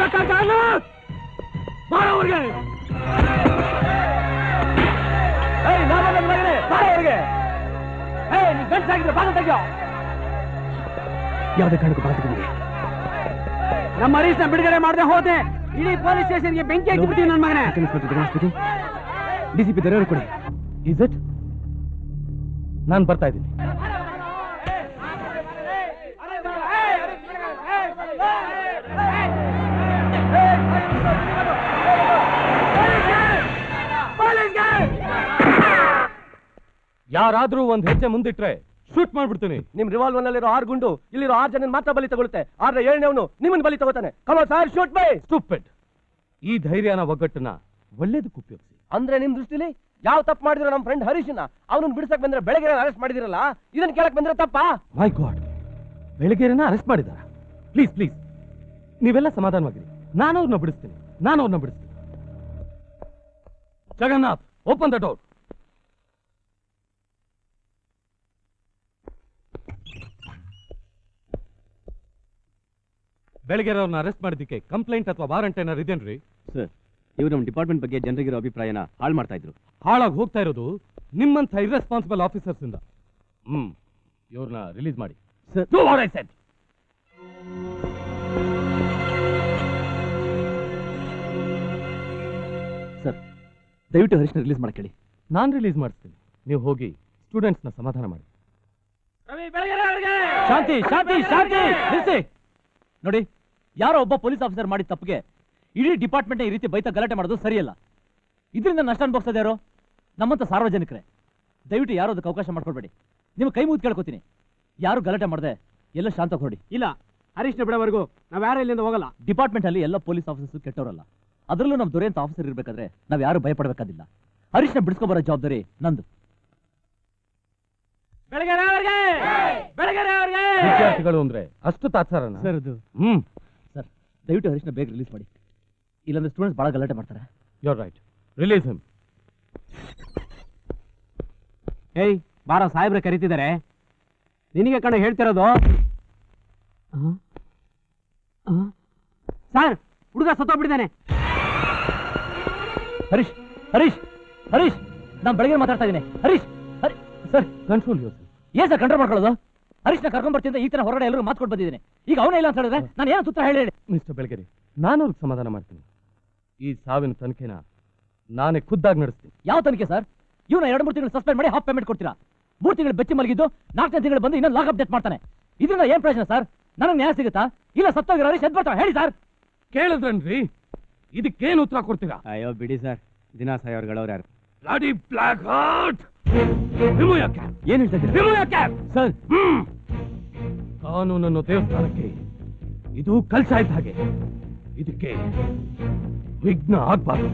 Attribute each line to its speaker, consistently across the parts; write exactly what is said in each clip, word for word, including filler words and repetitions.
Speaker 1: ಬಾರವ್ರಿಗೆ ಬಾರವ್ರಿಗೆ ಗಂಟಾಗಿದ್ರೆ ಬಾಗ ತೆಗಿಯೋ. ಯಾವುದೇ ಕಾರಣಕ್ಕೂ ಬಾಗ ತೆಗಿದಿದೆ. ನಮ್ಮ ಹರೀಶ್ನ ಬಿಡುಗಡೆ ಮಾಡದೆ ಹೋದೆ ಇಡೀ ಪೊಲೀಸ್ ಸ್ಟೇಷನ್ಗೆ ಬೆಂಕಿ ಹಾಕಿಬಿಡ್ತೀನಿ ನನ್ನ ಮಗನೇ. ಡಿಸಿಪಿ ದೊರೆಯವರು ಕೊಡಿ. Is it? ನಾನು ಬರ್ತಾ ಇದ್ದೀನಿ. ಯಾರಾದ್ರೂ ಒಂದ್ ಹೆಜ್ಜೆ ಮುಂದಿಟ್ರೆ ಶೂಟ್ ಮಾಡ್ಬಿಡ್ತೀನಿ.
Speaker 2: ನಿಮ್ ರಿವಾಲ್ವರ್ ನಲ್ಲಿರೋ ಆರು ಗುಂಡು ಇಲ್ಲಿರೋ ಆರು ಜನ ಮಾತ್ರ ಬಲಿ ತಗೊಳುತ್ತೆ. ಆದ್ರೆ ಏಳನೇವನು ನಿಮ್ಮನ್ನ ಬಲಿ ತಗೋತಾನೆ. ಕಮ ಸಾರ್ ಶೂಟ್ ಬೈ.
Speaker 1: ಸ್ಟೂಪಿಡ್. ಈ ಧೈರ್ಯನ ಒಗ್ಗಟ್ಟನ್ನ ಒಳ್ಳೇದಕ್ಕೆ ಉಪಯೋಗಿಸಿ.
Speaker 2: ಅಂದ್ರೆ ನಿಮ್ ದೃಷ್ಟಿಲಿ ಯಾವ ತಪ್ಪು ಮಾಡಿದ್ರು ನಮ್ಮ ಫ್ರೆಂಡ್ ಹರೀಶ್ನ ಅವನನ್ನ ಬಿಡಿಸಕ್ ಬಂದ್ರೆ ಬೆಳಗ್ಗೆ ಅರೆಸ್ಟ್ ಮಾಡಿದಿರಲ್ಲ, ಇದನ್ನ ಕೇಳಕ್ ಬಂದ್ರೆ ತಪ್ಪಾ?
Speaker 1: ಮೈ ಗಾಡ್, ಬೆಳಗ್ಗೆನ ಅರೆಸ್ಟ್ ಮಾಡಿದಾರ? ಪ್ಲೀಸ್ ಪ್ಲೀಸ್ ನೀವೆಲ್ಲ ಸಮಾಧಾನವಾಗಿರಿ. ನಾನು ಅವ್ರನ್ನ ಬಿಡಿಸ್ತೀನಿ. ನಾನು ಅವ್ರನ್ನ ಬಿಡಿಸ್ತೀನಿ. Jagannath, open the door. ಬೆಳಗ್ಗೆ ಅವ್ರನ್ನ ಅರೆಸ್ಟ್ ಮಾಡಿದ್ದಕ್ಕೆ ಕಂಪ್ಲೇಂಟ್ ಅಥವಾ ವಾರಂಟ್ ಏನಾರು ಇದೇನ್ರಿ?
Speaker 2: ಸರ್, ಇವರು ನಮ್ಮ ಡಿಪಾರ್ಟ್ಮೆಂಟ್ ಬಗ್ಗೆ ಜನರಿಗಿರೋ ಅಭಿಪ್ರಾಯನ ಹಾಳು ಮಾಡ್ತಾ ಇದ್ರು.
Speaker 1: ಹಾಳಾಗಿ ಹೋಗ್ತಾ ಇರೋದು ನಿಮ್ಮಂಥ ಇರ್ರೆಸ್ಪಾನ್ಸಿಬಲ್ ಆಫೀಸರ್ಸ್ ಇಂದ. ಹ್ಮ್ ಇವ್ರನ್ನ ರಿಲೀಸ್ ಮಾಡಿ.
Speaker 2: Do what I said. Sir, ದಯವಿಟ್ಟು ಹರೀಶ್ನ ರಿಲೀಸ್ ಮಾಡಕ್ಕೆ ಹೇಳಿ.
Speaker 1: ನಾನು ರಿಲೀಸ್ ಮಾಡಿಸ್ತೀನಿ. ನೀವು ಹೋಗಿ ಸ್ಟೂಡೆಂಟ್ಸ್ನ ಸಮಾಧಾನ ಮಾಡಿ.
Speaker 2: ಶಾಂತಿ ಶಾಂತಿ ಶಾಂತಿ ನಿಲ್ಲಿಸಿ. ನೋಡಿ, ಯಾರೋ ಒಬ್ಬ ಪೊಲೀಸ್ ಆಫೀಸರ್ ಮಾಡಿದ ತಪ್ಪಿಗೆ ಇಡೀ ಡಿಪಾರ್ಟ್ಮೆಂಟ್ ಈ ರೀತಿ ಬೈತ ಗಲಾಟೆ ಮಾಡೋದು ಸರಿಯಲ್ಲ. ಇದರಿಂದ ನಷ್ಟ ಅನುಭವಿಸೋದು ಯಾರು? ನಮ್ಮಂತ ಸಾರ್ವಜನಿಕರೇ. ದಯವಿಟ್ಟು ಯಾರು ಅದಕ್ಕೆ ಅವಕಾಶ ಮಾಡ್ಕೊಳ್ಬೇಡಿ. ನಿಮ್ಮ ಕೈ ಮುಗಿದು ಕೇಳ್ಕೊತೀನಿ, ಯಾರು ಗಲಾಟೆ ಮಾಡದೆ ಎಲ್ಲ ಶಾಂತ ಹೊರಡಿ. ಇಲ್ಲ, ಹರೀಶ್ನ ಬಿಡೋವರೆಗೂ ನಾವು ಯಾರು ಇಲ್ಲಿಂದ ಹೋಗಲ್ಲ. ಡಿಪಾರ್ಟ್ಮೆಂಟ್ ಅಲ್ಲಿ ಎಲ್ಲ ಪೊಲೀಸ್ ಆಫೀಸರ್ಸ್ ಕೆಟ್ಟವರಲ್ಲ. ಅದರಲ್ಲೂ ನಮ್ಮ ದೊರೆಯಂತ ಆಫೀಸರ್ ಇರಬೇಕಾದ್ರೆ ನಾವು ಯಾರು ಭಯಪಡಬೇಕಾದಿಲ್ಲ. ಹರೀಶ್ನ ಬಿಡಿಸ್ಕೊಬರೋ ಜವಾಬ್ದಾರಿ ನಂದು.
Speaker 1: ವಿದ್ಯಾರ್ಥಿಗಳು ಅಂದ್ರೆ ಅಷ್ಟು ತಾತ್ಸಾರನ
Speaker 2: ಸರ್? ಅದು
Speaker 1: ಹ್ಮ್
Speaker 2: ಸರ್, ದಯವಿಟ್ಟು ಹರೀಶ್ನ ಬೇಗ ರಿಲೀಸ್ ಮಾಡಿ. ಇಲ್ಲಾಂದ್ರೆ ಸ್ಟೂಡೆಂಟ್ಸ್ ಬಹಳ ಗಲಾಟೆ ಮಾಡ್ತಾರೆ.
Speaker 1: You are right. Release him.
Speaker 2: ಏಯ್ ಬಾರೋ, ಸಾಹೇಬ್ರೆ ಕರೀತಿದ್ದಾರೆ. ನಿನಗೆ ಕಣ ಹೇಳ್ತಿರೋದು. ಸರ್, ಹುಡುಗ ಸತ್ತೋಗ್ಬಿಟ್ಟಿದ್ದಾನೆ. ಹರೀಶ್ ಹರೀಶ್ ಹರೀಶ್ ನಾನು ಬೆಳಗ್ಗೆ ಮಾತಾಡ್ತಾ ಇದ್ದೀನಿ. Harish Hari sir,
Speaker 1: control your.
Speaker 2: ಏನ್ ಸರ್ ಕಂಟ್ರೋಲ್ ಮಾಡ್ಕೊಳ್ಳೋದು? ಹರೀಶ್ನ ಕರ್ಕೊಂಡ್ ಬರ್ತೀನಿ. ಈ ತರ ಹೊರಗಡೆ ಎಲ್ಲರೂ ಮಾತು ಕೊಟ್ಟು ಬಂದಿದ್ದೀನಿ. ಈಗ ಅವನೇ ಇಲ್ಲ ಅಂತ ಹೇಳಿದ್ರೆ ನಾನು ಏನು ಸೂತ್ರ ಹೇಳಿ?
Speaker 1: ಮಿಸ್ಟರ್ ಬೆಳಗೆರೆ, ನಾನು ಅವ್ರಿಗೆ ಸಮಾಧಾನ ಮಾಡ್ತೀನಿ. ಈ ಸಾವಿನ ತನಿಖೆನ ನಾನೇ ಖುದ್ದಾಗಿ ನಡೆಸ್ತೀನಿ.
Speaker 2: ಯಾವ ತನಿಖೆ ಸರ್? ಇವನ ಎರಡು ಮೂರು ತಿಂಗಳು ಸಸ್ಪೆಂಡ್ ಮಾಡಿ ಹಾಫ್ ಪೇಮೆಂಟ್ ಕೊಡ್ತೀರಾ? ಮೂರು ತಿಂಗಳು ಬೆಚ್ಚಿ ಮಲಗಿದ್ದು ನಾಲ್ಕನೇ ತಿಂಗಳು ಬಂದು ಇನ್ನೊಂದು ಲಾಕ್ ಅಪ್ಡೇಟ್ ಮಾಡ್ತಾನೆ. ಇದರಿಂದ ಏನ್ ಪ್ರಯೋಜನ ಸರ್? ನನಗೆ ನ್ಯಾಯ ಸಿಗುತ್ತಾ? ಇಲ್ಲ ಸತ್ತೋಗಿರೋ ಹರೀಶ್ ಎದ್ ಬರ್ತಾವ? ಹೇಳಿ ಸರ್.
Speaker 1: ಕೇಳಿದ್ರನ್ರಿ, ಇದಕ್ಕೇನು ಉತ್ತರ ಕೊಡ್ತೀರಾ?
Speaker 2: ಅಯ್ಯೋ ಬಿಡಿ ಸರ್, ದಿನ ಸಾಯೋರ್ಗಳವ್ರು ಯಾರು?
Speaker 1: Bloody black heart. Remove your cap.
Speaker 2: ಏನ್ ಹೇಳ್ತಾ ಇದ್ದೀರಾ?
Speaker 1: Remove your cap
Speaker 2: sir.
Speaker 1: ಕಾನೂನನ್ನು ದೇವಸ್ಥಾನಕ್ಕೆ ಇದು ಕಲ್ಸಾ ಇದ್ದ ಹಾಗೆ. ಇದಕ್ಕೆ ವಿಘ್ನ ಆಗ್ಬಾರ್ದು.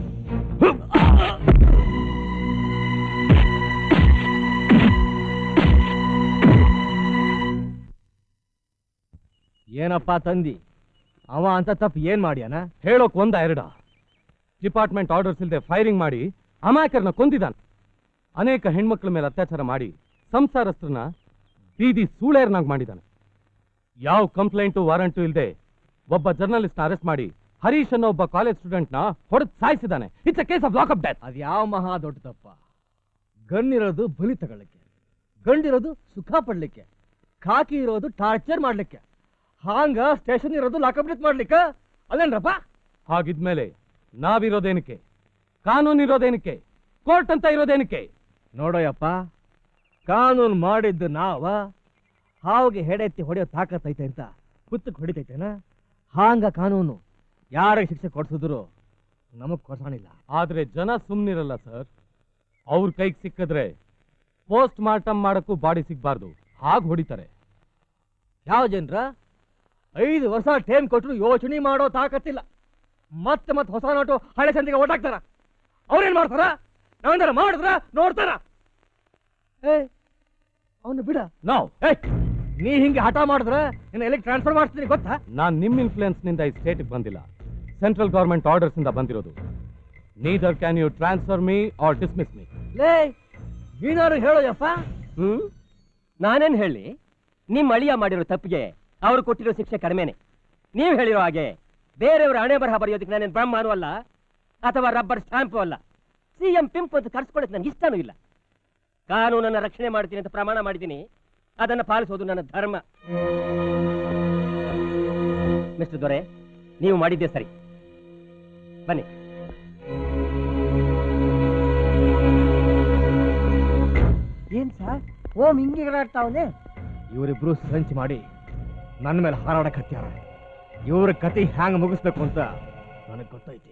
Speaker 2: ಏನಪ್ಪಾ ತಂದಿ, ಅವ ಅಂತ ತಪ್ಪು ಏನ್ ಮಾಡ್ಯಾನ?
Speaker 1: ಹೇಳೋಕ್ ಒಂದ ಎರಡ? ಡಿಪಾರ್ಟ್ಮೆಂಟ್ ಆರ್ಡರ್ಸ್ ಇಲ್ಲದೆ ಫೈರಿಂಗ್ ಮಾಡಿ ಅಮಾಯಕರನ್ನ ಕೊಂದಿದ್ದಾನೆ. ಅನೇಕ ಹೆಣ್ಮಕ್ಳ ಮೇಲೆ ಅತ್ಯಾಚಾರ ಮಾಡಿ ಸಂಸಾರಸ್ಥರನ್ನ ಬೀದಿ ಸೂಳೇರ್ನಾಗ್ ಮಾಡಿದ್ದಾನೆ. ಯಾವ ಕಂಪ್ಲೇಂಟು ವಾರಂಟು ಇಲ್ಲದೆ ಒಬ್ಬ ಜರ್ನಲಿಸ್ಟ್ ನ ಅರೆಸ್ಟ್ ಮಾಡಿ ಹರೀಶ್ ಅನ್ನೋ ಒಬ್ಬ ಕಾಲೇಜ್ ಸ್ಟೂಡೆಂಟ್ ನ ಹೊಡೆದು ಸಾಯಿಸಿದ್ದಾನೆ. It's a case of lock up death.
Speaker 2: ಅದ್ ಯಾವ ಮಹಾ ದೊಡ್ಡ ತಪ್ಪ? ಗಣ್ಣಿರೋದು ಬಲಿ ತಗೊಳ್ಳಿಕ್ಕೆ, ಗಂಡಿರೋದು ಸುಖ ಪಡ್ಲಿಕ್ಕೆ, ಖಾಕಿ ಇರೋದು ಟಾರ್ಚರ್ ಮಾಡ್ಲಿಕ್ಕೆ, ಹಾಂಗ ಸ್ಟೇಷನ್ ಇರೋದು ಲಾಕಪ್ ಡೆತ್ ಮಾಡ್ಲಿಕ್ಕೆ ಅಲ್ಲೇನ್ರಪ್ಪ?
Speaker 1: ಹಾಗಿದ್ಮೇಲೆ ನಾವಿರೋದೇನಕ್ಕೆ? ಕಾನೂನು ಇರೋದೇನಕ್ಕೆ? ಕೋರ್ಟ್ ಅಂತ ಇರೋದೇನಕ್ಕೆ?
Speaker 2: ನೋಡೋಯಪ್ಪ, ಕಾನೂನು ಮಾಡಿದ್ದು ನಾವ ಹಾವಿಗೆ ಹೆಡೆತ್ತಿ ಹೊಡೆಯೋ ತಾಕತ್ತೈತೆ ಅಂತ ಕುತ್ತಕ್ಕೆ ಹೊಡಿತೈತೇನ? ಹಾಂಗ ಕಾನೂನು ಯಾರಿಗೆ ಶಿಕ್ಷೆ ಕೊಡ್ಸಿದ್ರು ನಮಗ್ ಕೊಡ್ಸಾಣಿಲ್ಲ.
Speaker 1: ಆದ್ರೆ ಜನ ಸುಮ್ನಿರಲ್ಲ ಸರ್. ಅವ್ರ ಕೈಗೆ ಸಿಕ್ಕಿದ್ರೆ ಪೋಸ್ಟ್ ಮಾರ್ಟಮ್ ಮಾಡಕ್ಕೂ ಬಾಡಿ ಸಿಗ್ಬಾರ್ದು, ಹಾಗೆ ಹೊಡಿತಾರೆ.
Speaker 2: ಯಾವ ಜನರ ಐದು ವರ್ಷ ಟೈಮ್ ಕೊಟ್ಟರು ಯೋಚನೆ ಮಾಡೋ ತಾಕತ್ತಿಲ್ಲ. ಮತ್ತೆ ಮತ್ತೆ ಹೊಸ ನೋಟು ಹಳೆ ಸಂದಿಗೆ ಓಟಾಕ್ತಾರ. ಅವ್ರೇನ್ ಮಾಡ್ತಾರ? ನಾವೇನಾರ ಮಾಡಿದ್ರ ನೋಡ್ತಾರ? ಏ ಅವನು ಬಿಡ.
Speaker 1: ನಾವು
Speaker 2: ನೀ ಹಿಂಗೆ ಹಠ ಮಾಡಿದ್ರೆ ನಿನ್ನ ಎಲ್ಲಿಗೆ ಟ್ರಾನ್ಸ್ಫರ್ ಮಾಡ್ತೀನಿ ಗೊತ್ತಾ?
Speaker 1: ನಾನ್ ನಿಮ್ ಇನ್ಫ್ಲೂಯೆನ್ಸ್ ನಿಂದ ಈ ಸ್ಟೇಟ್ಗೆ ಬಂದಿಲ್ಲ, ಸೆಂಟ್ರಲ್ ಗವರ್ಮೆಂಟ್ ಆರ್ಡರ್ಸ್ ಇಂದ ಬಂದಿರೋದು. Neither can you transfer me or dismiss me.
Speaker 2: ಲೇ ನೀನಾರು ಹೇಳೋಯಪ್ಪ.
Speaker 3: ಹ್ಮ್ ನಾನೇನ್ ಹೇಳಿ? ನಿಮ್ ಅಳಿಯ ಮಾಡಿರೋ ತಪ್ಪಿಗೆ ಅವ್ರು ಕೊಟ್ಟಿರೋ ಶಿಕ್ಷೆ ಕಡಿಮೆನೆ. ನೀವ್ ಹೇಳಿರೋ ಹಾಗೆ ಬೇರೆಯವರ ಹಣೆ ಬರಹ ಬರೆಯೋದಕ್ಕೆ ನಾನೇನು ಬ್ರಹ್ಮನೂ ಅಲ್ಲ ಅಥವಾ ರಬ್ಬರ್ ಸ್ಟಾಂಪು ಅಲ್ಲ. ಸಿ ಎಂ ಪಿಂಪ್ ಅಂತ ಕರ್ಸ್ಕೊಳ್ಳೋಕೆ ನನಗೆ ಇಷ್ಟನೂ ಇಲ್ಲ. ಕಾನೂನನ್ನು ರಕ್ಷಣೆ ಮಾಡ್ತೀನಿ ಅಂತ ಪ್ರಮಾಣ ಮಾಡಿದ್ದೀನಿ, ಅದನ್ನು ಪಾಲಿಸೋದು ನನ್ನ ಧರ್ಮ. ಮಿಸ್ಟರ್ ದೊರೆ, ನೀವು ಮಾಡಿದ್ದೆ ಸರಿ. ಬನ್ನಿ.
Speaker 4: ಏನ್ ಸರ್ ಓಂ ಹಿಂಗೆ ಆಡ್ತಾವನೆ?
Speaker 5: ಇವರಿಬ್ರು ಸಂಚ್ ಮಾಡಿ ನನ್ನ ಮೇಲೆ ಹಾರಾಡಕ್ ಹತ್ಯಾರ. ಇವ್ರ ಕತೆ ಹ್ಯಾಂಗ್ ಮುಗಿಸ್ಬೇಕು ಅಂತ ನನಗೆ ಗೊತ್ತೈತಿ.